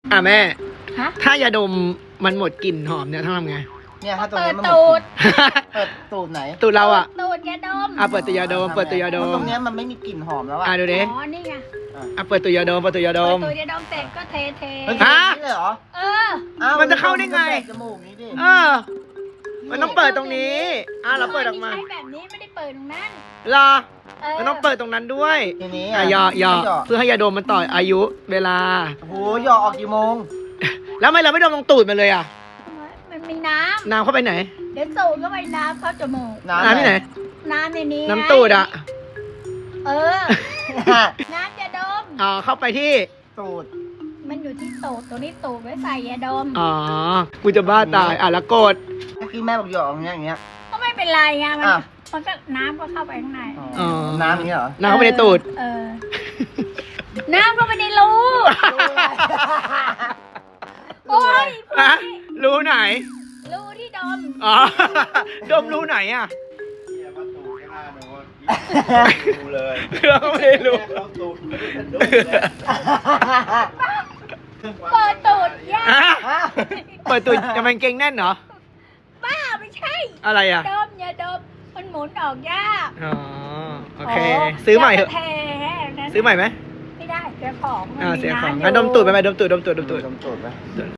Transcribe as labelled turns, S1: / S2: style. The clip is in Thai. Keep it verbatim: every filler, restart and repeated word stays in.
S1: อ่ะแม่
S2: ฮะ
S1: ถ้ายาดมมันหมดกลิ่นหอมเนี่ยต้องทำไง
S3: เนี่ยถ้าตัว
S2: เปิ
S3: นี้
S2: ด
S3: มันหม
S2: ตูด
S3: ดเปิดตูดไหน
S1: ตูดเราอ่ะ
S2: ตูดยาดม
S1: อ่ะเปิดตัวยาดม เปิดตัวยาด
S3: เพ
S1: ม
S3: ระตรงเนี้ยมันไม่มีกลิ่นหอมแล้วอ่ะ
S1: อ่ะดูดิ
S2: อ๋อนี่ไง
S1: อ่ะเปิดตัวยาดม เปิดตัวยาด
S2: เปิด
S1: ม
S2: ตูดยาดมเสร็จก็เทเท
S3: เฮ้ย
S1: ฮะ
S3: นี่เลยเหรอ
S2: เออ
S3: อ้าว
S1: มันจะเข้าได้ไง
S3: มันก็แบบจมูกนี้ดิ
S1: เออ มันต้องเปิดตรงนี้ อ่ะเราเปิดออกมา
S2: ใช้แบบนี้ไม่ได้เปิดตรงนั้น
S1: รอ
S2: เออ
S1: มันต้องเปิดตรงนั้นด้วย
S3: ทีนี้
S1: อ่ะหยอหยอ
S3: หยอ
S1: เพื่อให้ยาดมมันต่ออายุเวลา
S3: โอ้โหหยอออกกี่โมง
S1: แล้วทำไมเราไม่ดมตรงตูดมันเลยอ่ะ
S2: มันมีน้
S1: น้ำเข้าไปไหน
S2: ำเดี๋ยวสูดเข้าไปน้ำเข้าจมูก
S3: น้ำ
S1: น้ำที่ไหน
S2: น้ำในนี้
S1: น้ำตูดอ่ะ
S2: เออ
S3: ฮะ
S2: น้ำยาดม
S1: อ๋อ เข้าไปที่
S3: ตูด
S2: มันอยู่ที่ตูดตัวนี้ตูดไว้ใส่ยาดม
S1: อ๋อ กูจะบ้าตาย อ่ะแล้วกด
S3: เมื่อกี้แม่บอกหยออย่างเงี้ยอย่างเงี้ย
S2: ก็ไม่เป็นไรไงมัน
S3: อ่ะ
S2: มันก็น้ำก็เข้าไปข้างใน
S1: อ๋อ
S3: น้ำนี้เหรอ
S1: น้ำเข้าไปในตูด
S2: เออ น้ำก็ไปในรู โอ้ย
S1: ฮะรู้ไหน
S2: รูที่ดม
S1: อ๋อ ดมรู้ไหนอ่ะ
S4: ดูเลย
S1: เราก็ไม่ได้รู้
S4: เข้าตูดไม่ได้เป็นดูเลย
S2: เปิดตูดยา
S1: ฮะเปิดตูดจะมันเก่งแน่นเหรอ
S2: บ้าไม่ใช่
S1: อะไรอ่ะ
S2: ดมอย่าดมมันหมุนออกยาก
S1: อ๋อ โอเค ซื้อใหม่เถอะ
S2: แท้นะ
S1: ซื้อใหม่ไหม
S2: ไม่ได้เสียของมัน
S1: อ่า
S2: มี
S1: เสียของ
S2: น้ำ
S1: งั้นดมตูดไปไหมดมตูดดมตูดดมตูด
S3: ดมตูดไหม